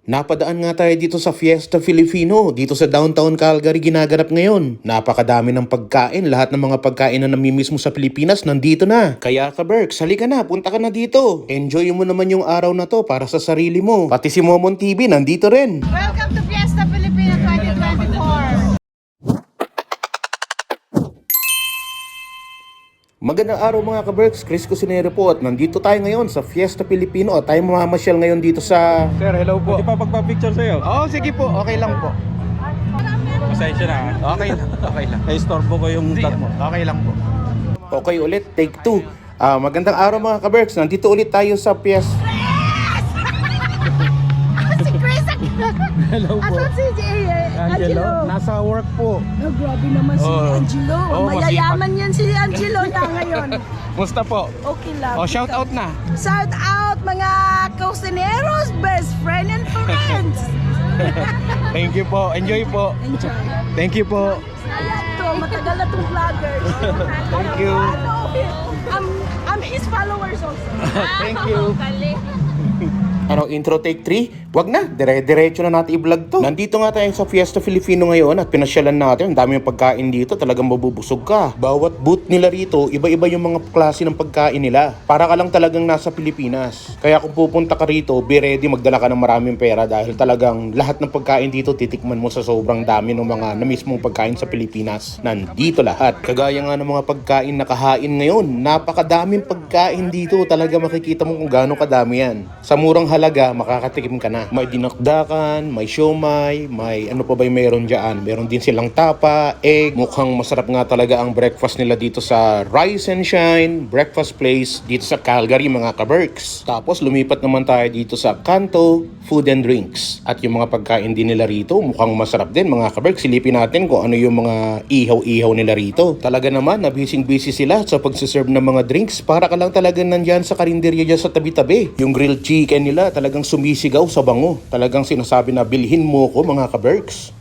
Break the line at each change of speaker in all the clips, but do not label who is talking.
Napadaan nga tayo dito sa Fiesta Filipino, dito sa downtown Calgary ginaganap ngayon. Napakadami ng pagkain, lahat ng mga pagkain na namimiss mo sa Pilipinas nandito na. Kaya ka Berks, halika na, punta ka na dito. Enjoy mo naman yung araw na to para sa sarili mo. Pati si Momon TV nandito rin.
Welcome to Fiesta Filipino 2024.
Magandang araw mga ka-Berks, Chris Cusinero po at nandito tayo ngayon sa Fiesta Filipino at tayo mamamasyal ngayon dito sa...
Sir, hello po. Hindi pa pagpa-picture sa'yo.
Oo, sige po, okay lang po.
Pasensya na.
Okay lang.
Na-istorbo ko yung vlog mo.
Okay lang po. Okay ulit, take 2. Magandang araw mga ka-Berks, nandito ulit tayo sa Fiesta...
Si Chris!
Hello po.
Asan si Angelo?
Nasa work po.
Oh, grabe naman si
Oh.
Angelo.
Oh,
Mayayaman yan si Angelo na ngayon.
Musta po?
Okay lang.
Oh, shout out na.
Shout out mga Cusineros, best friend and friends.
Thank you po. Enjoy po.
Enjoy.
Thank you po.
Ayan to, matagal na tong vloggers.
Thank you.
I'm his followers also.
Thank you.
Ano, intro take 3? Wag na, dire-diretso na natin i-vlog to. Nandito nga tayo sa Fiesta Filipino ngayon at pinasyalan natin. Ang dami ng pagkain dito, talagang mabubusog ka. Bawat booth nila rito, iba-iba yung mga klase ng pagkain nila. Para ka lang talagang nasa Pilipinas. Kaya kung pupunta ka rito, be ready, magdala ka ng maraming pera dahil talagang lahat ng pagkain dito titikman mo sa sobrang dami ng mga na mismong pagkain sa Pilipinas. Nandito lahat. Kagaya nga ng mga pagkain na kahain ngayon, napakadaming pagkain dito. Talaga makikita mo kung gaano kadami yan. Sa murang halaga, makakatikim ka na. May dinakdakan, may siomay, may ano pa ba yung meron dyan. Meron din silang tapa, egg. Mukhang masarap nga talaga ang breakfast nila dito sa Rise and Shine Breakfast Place dito sa Calgary mga ka-Berks. Tapos lumipat naman tayo dito sa Kanto Food and Drinks. At yung mga pagkain din nila rito, mukhang masarap din mga ka-Berks. Silipin natin kung ano yung mga ihaw-ihaw nila rito. Talaga naman, busy sila sa pagsiserve ng mga drinks. Para ka lang talaga nandyan sa karinderya dyan sa tabi-tabi. Yung grilled chicken nila talagang sumisigaw sa bango. Talagang sinasabi na bilhin mo ko mga ka-Berks.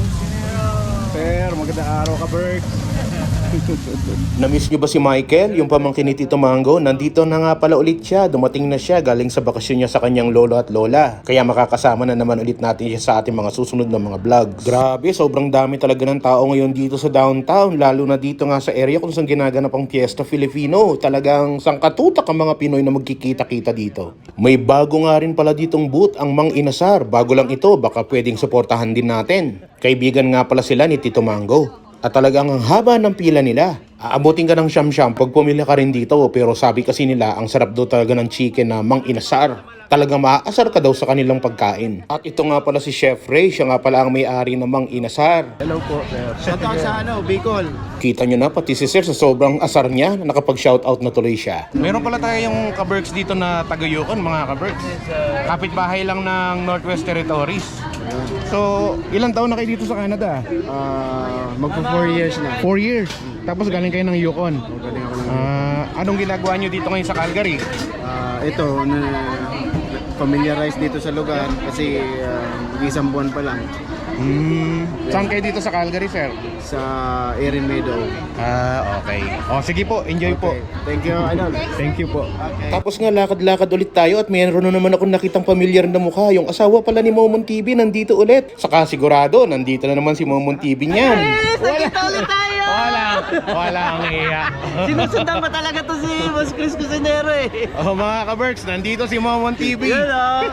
Sir, magandang araw ka, Berk.
Namiss nyo ba si Michael, yung pamangkin ni Tito Mango? Nandito na nga pala ulit siya. Dumating na siya galing sa bakasyon niya sa kanyang lolo at lola. Kaya makakasama na naman ulit natin siya sa ating mga susunod na mga vlogs. Grabe, sobrang dami talaga ng tao ngayon dito sa downtown. Lalo na dito nga sa area kung saan ginaganap ang Fiesta Filipino. Talagang sangkatutak ang mga Pinoy na magkikita-kita dito. May bago nga rin pala ditong booth, ang Mang Inasar. Bago lang ito, baka pwedeng suportahan din natin. Kaibigan nga pala sila ni Tito Mango. At talagang ang haba ng pila nila. Aabutin ka ng siyam-siyam pag pumila ka rin dito. Pero sabi kasi nila, ang sarap daw talaga ng chicken na Mang Inasar. Talagang maaasar ka daw sa kanilang pagkain. At ito nga pala si Chef Ray. Siya nga pala ang may-ari ng Mang Inasar.
Hello po, sir.
Shout out sa Bicol.
Kita nyo na, pati si Sir sa sobrang asar niya, nakapag-shoutout na tuloy siya.
Meron pala tayo yung ka-Berks dito na taga-Yukon, mga ka-Berks. Kapitbahay lang ng Northwest Territories. So, ilang taon na kayo dito sa Canada?
Magpo 4 years na.
4 years. Tapos galing kayo ng Yukon.
Galing ako ng
Anong ginagawa nyo dito ngayon sa Calgary?
ito na familiarize dito sa lugar kasi isang buwan pa lang
Saan kayo dito sa Calgary, sir?
sa Erin Meadow.
Okay. O, sige po. Enjoy po.
Okay. Thank you, Idol.
Thank you po.
Okay.
Tapos nga lakad-lakad ulit tayo at mayroon na naman akong nakitang pamilyar na mukha. Yung asawa pala ni Momon TV nandito ulit. Saka sigurado, nandito na naman si Momon TV niyan.
Nakita ulit tayo!
Walang iya.
Sinusundan pa talaga to si Boss Chris Cusinero eh.
Oh, mga ka-Berks, nandito si Momon TV.
Yun o.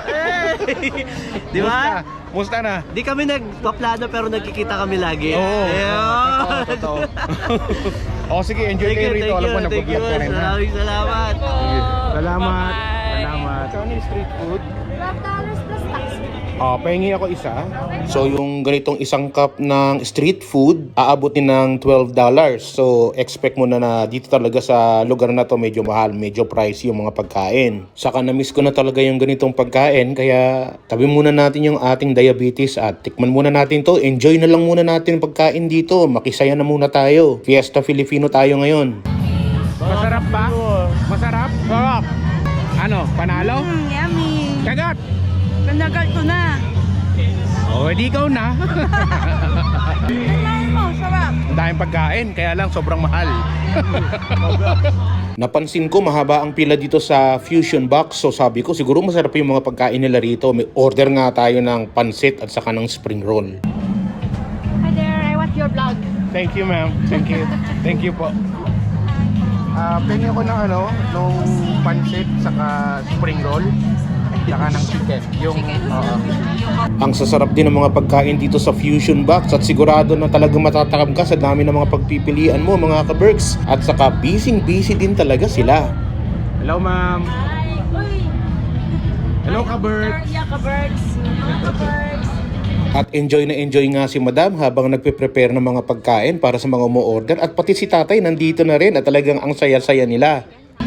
Di ba?
Musta na?
Di kami nagpaplano pero nagkikita kami lagi.
Oo.
Ayun.
Totoo. O sige, enjoy kayo rito. Alam ko
Thank you,
nag-vlog ka rin. ha?
maraming salamat.
Salamat. Salamat. Kano yung street food?
$12 plus tax.
Pahingi ako isa. So yung ganitong isang cup ng street food, aabutin ng $12. So expect mo na dito talaga sa lugar na to medyo mahal, medyo pricey yung mga pagkain. Saka na-miss ko na talaga yung ganitong pagkain, kaya tabi muna natin yung ating diabetes at tikman muna natin to. Enjoy na lang muna natin yung pagkain dito. Makisaya na muna tayo. Fiesta Filipino tayo ngayon.
Masarap ba? Masarap? Sarap. Ano? Panalo?
Yummy.
Kagat!
Panagal ko na.
O, edi ikaw na.
Tingnan mo, sarap.
Ang daming pagkain, kaya lang sobrang mahal.
Napansin ko mahaba ang pila dito sa Fusion Box. So sabi ko siguro masarap yung mga pagkain nila rito. May order nga tayo ng pansit at saka ng spring roll.
Hi there, I watch your vlog.
Thank you, ma'am. Thank you. Thank you po. Pengi ko ng nung pansit saka spring roll. Saka ng chicken. Yung,
Ang sasarap din ng mga pagkain dito sa Fusion Box at sigurado na talagang matatakam ka sa dami ng mga pagpipilian mo mga ka-Berks. At saka busy din talaga sila.
hello, ma'am.
Hi, uy.
Hello, ka-Bert.
Yeah, ka-birds. Ka-birds.
At enjoy na enjoy nga si Madam habang nagpe-prepare ng mga pagkain para sa mga umu-order. At pati si Tatay nandito na rin at talagang ang saya-saya nila.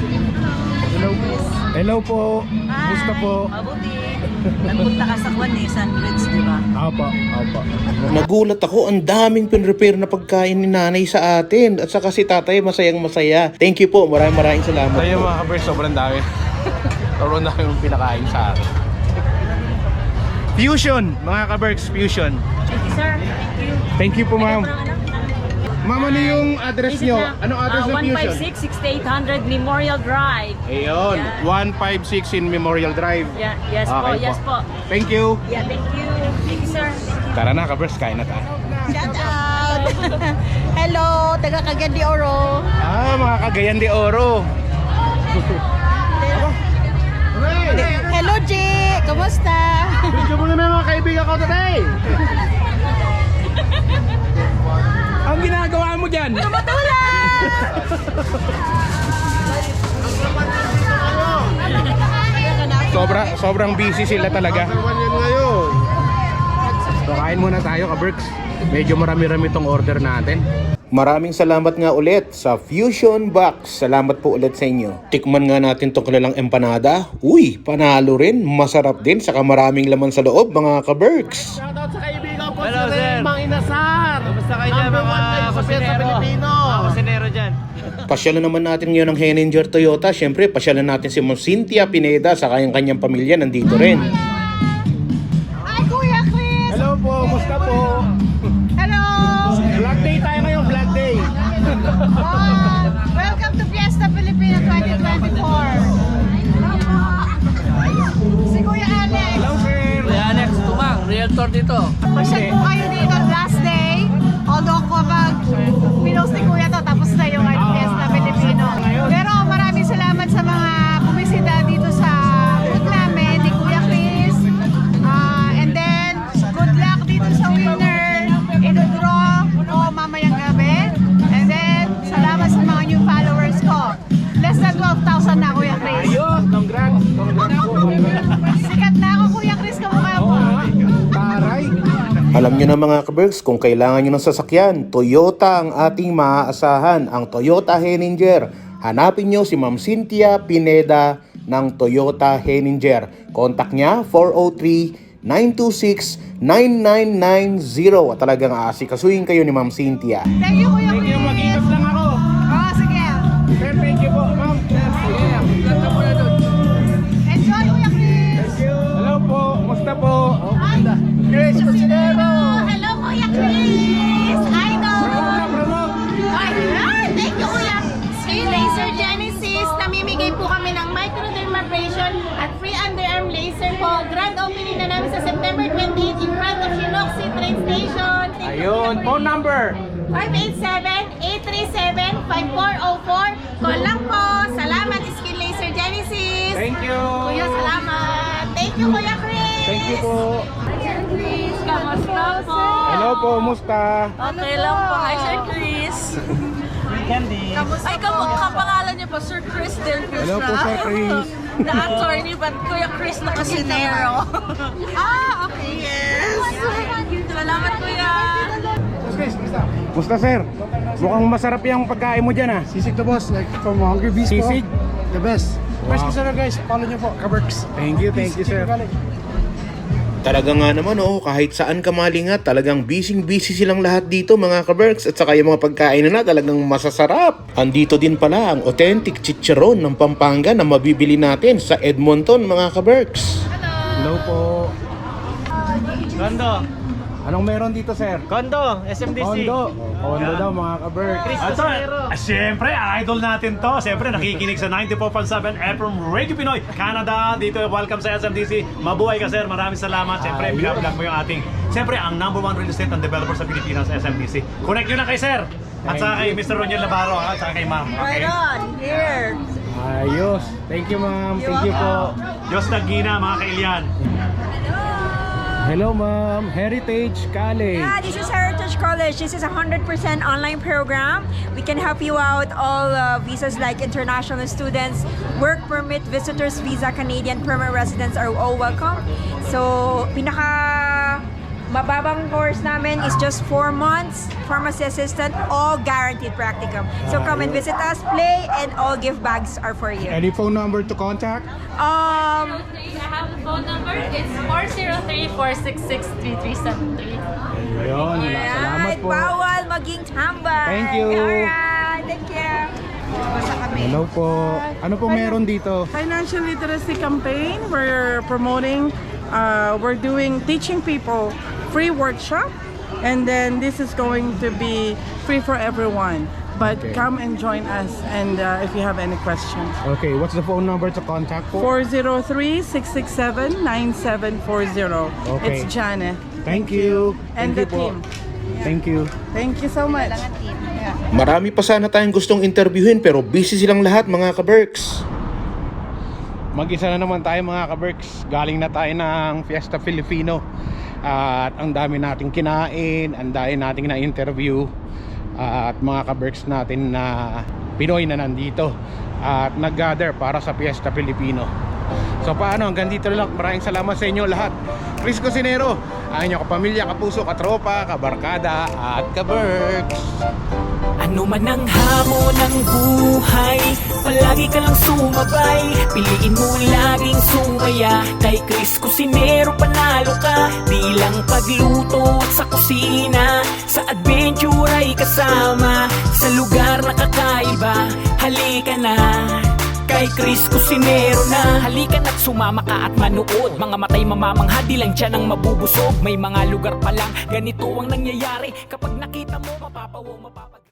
Hello po. Gusto po.
Mabuti. Nagpunta ka sa Sandwich, di ba?
Apo.
Nagulat ako, ang daming pinrepare na pagkain ni Nanay sa atin. At saka si Tatay masayang masaya. Thank you po, maraming salamat
Tayo
po.
mga ka-Bert, sobrang dami. Sobrang dami yung pinakain sa akin. Fusion, mga ka-Berks, Fusion.
Thank you, sir. Thank you.
Thank you po, ma'am. Ma'am, ano yung address nyo? Anong address ng Fusion?
156-6800 Memorial Drive.
Ayun, 156 in Memorial Drive.
Yeah, yes po,
Okay
yes po.
Thank you.
Yeah, thank you. Thank you, sir. Thank you.
Tara na, ka-Berks, kain na tayo.
Shout out! Hello, taga Cagayan de Oro.
Mga Cagayan de Oro.
Hello, G! Kumusta?
Video mo naman mga kaibigan ko today. Ang ginagawa mo dyan? Sobrang busy sila talaga. So kain muna tayo, ka-Berks. Medyo marami-rami tong order natin.
Maraming salamat nga ulit sa Fusion Box. Salamat po ulit sa inyo. Tikman nga natin tong kanilang empanada. Uy, panalo rin. Masarap din. Saka maraming laman sa loob mga ka-Berks.
Shoutout sa kaibigan ko
Hello, sir.
Mang Inasar.
Kamusta kayo dyan,
Number
mga
one kayo sa
kusinero?
Pilipino.
Mga kusinero dyan.
Pasyalan naman natin ngayon ng Henninger Toyota. Siyempre, pasyalan natin si Ma'am Cynthia Pineda sa kanyang pamilya. Nandito rin.
Hi, Kuya Chris!
Hello po, musta po?
Hello!
Vlog day tayo ngayon, vlog day.
Welcome to Fiesta Filipina 2024. Si Kuya Alex.
Hello sir.
Kuya Alex Tumang, realtor dito.
Pasyal po kayo dito last day. Although kapag pinost ni Kuya to, tapos na yung Fiesta Filipino. Pero maraming salamat sa mga bumisita dito sa booth namin ni Kuya Chris. And then, good luck dito sa winner. Ino-draw ko mamayang gabi. And then, salamat sa mga new followers ko. Less than 12,000 na, Kuya Chris.
Ayun, congrats.
Sikat na ako, Kuya Chris, kamukha mo.
Taray.
Alam nyo na mga ka-Berks, kung kailangan nyo ng sasakyan, Toyota ang ating maaasahan, ang Toyota Henninger. Hanapin nyo si Ma'am Cynthia Pineda ng Toyota Henninger. Contact niya 403-926-9990 at talagang aasikasuhin kayo ni Ma'am Cynthia.
Thank you, Kuya
Thank you,
Chris.
mag-ingat lang ako.
Oh, sige.
Sir, thank you po, ma'am.
Enjoy, Kuya Chris.
Hello po, musta po?
Hi.
Chris Cusinero.
Hello, Kuya Chris. Idol.
Promote.
Ay, thank you, Kuya. Skin Laser Genesis, namimigay po kami ng microdermabrasion at free underarm laser po. Grand opening na namin sa September 28 in front of Shinoxi train station. Thank you,
Ayun,
Kuya
phone
Chris.
number.
587-837-5404. Call lang po. Salamat, Skin Laser Genesis.
Thank you.
Kuya, salamat. Thank you, Kuya Chris.
Thank you po.
Chris, kamusta po?
Hello po, musta?
Okay lang po. Hi, Sir Chris. Ay, kapangalan niyo po, Sir Chris Del Cruz.
Hello po, Sir Chris.
Na-attorney, but Kuya Chris na kasinero. Okay, yes. Salamat, Kuya.
Musta sir? Mukhang masarap yung pagkain mo dyan ah.
Sisig to boss, like from Hungry Beast
Sisig?
po. The best.
Wow.
First customer guys, follow nyo po, Kaberks.
Thank you sir.
Talaga nga naman kahit saan ka malingat, talagang busy silang lahat dito mga ka-Berks. At saka yung mga pagkain na talagang masasarap. Andito din pala ang authentic chicharon ng Pampanga na mabibili natin sa Edmonton mga ka-Berks.
Hello po.
Rondo,
Anong meron dito, sir?
Kondo, SMDC.
Kondo daw, mga ka-Berks.
Cristo Sinero.
Siyempre, idol natin to. Siyempre, nakikinig sa 94.7 FM Radio Pinoy, Canada. Dito, welcome sa SMDC. Mabuhay ka, sir. Maraming salamat. Siyempre, binablog mo yung ating, siyempre, ang #1 real estate and developer sa Pilipinas, SMDC. Connect nyo na kay sir. At saka kay Mr. Roniel Navarro, at saka kay ma'am. Okay?
Here.
Ayos. Thank you, ma'am. Thank you po.
Diyos Nagina, mga kailian.
Hello, ma'am. Heritage College.
Yeah, this is Heritage College. This is a 100% online program. We can help you out all visas like international students, work permit, visitors visa, Canadian permanent residents are all welcome. So, mababang course namin is just 4 months, pharmacy assistant, all guaranteed practicum. So come and visit us, play, and all gift bags are for you.
Any phone number to contact?
I have a phone number. It's 403-466-3373.
Ayun. Salamat
Alright,
po.
bawal maging tambay.
Thank you.
Alright, thank you.
Hello po. Ano po meron dito?
Financial literacy campaign. We're promoting, we're doing teaching people free workshop, and then this is going to be free for everyone. But
Okay.
come and join us, and if you have any questions.
Okay, what's the phone number to contact po?
403-667-9740.
Okay.
It's Jana.
Thank you.
And
Thank
the
you po.
team.
Thank you.
Thank you so much.
Marami pa sana tayong gustong interviewin pero busy silang lahat mga ka-Berks.
Mag-isa na naman tayo mga ka-Berks. Galing na tayo ng Fiesta Filipino. At ang dami nating kinain, ang dami nating na-interview. At mga ka-Berks natin na Pinoy na nandito. At nag-gather para sa Fiesta Filipino. So paano, hanggang dito lang. Maraming salamat sa inyo lahat. Chris Cusinero, ang inyong kapamilya, kapuso, katropa, kabarkada, at ka-Berks.
Ano man ang hamon ng buhay, palagi ka lang sumabay. Piliin mo laging sumaya. Kay Chris Cusinero panalo ka. Di lang pagluto at sa kusina, sa adventure ay kasama. Sa lugar na kakaiba, halika na. Kay Chris Cusinero na. Halika na't sumama ka at manood. Mga matay mamamangha, di lang dyan ang mabubusog. May mga lugar pa lang ganito ang nangyayari. Kapag nakita mo, mapapawong mapapag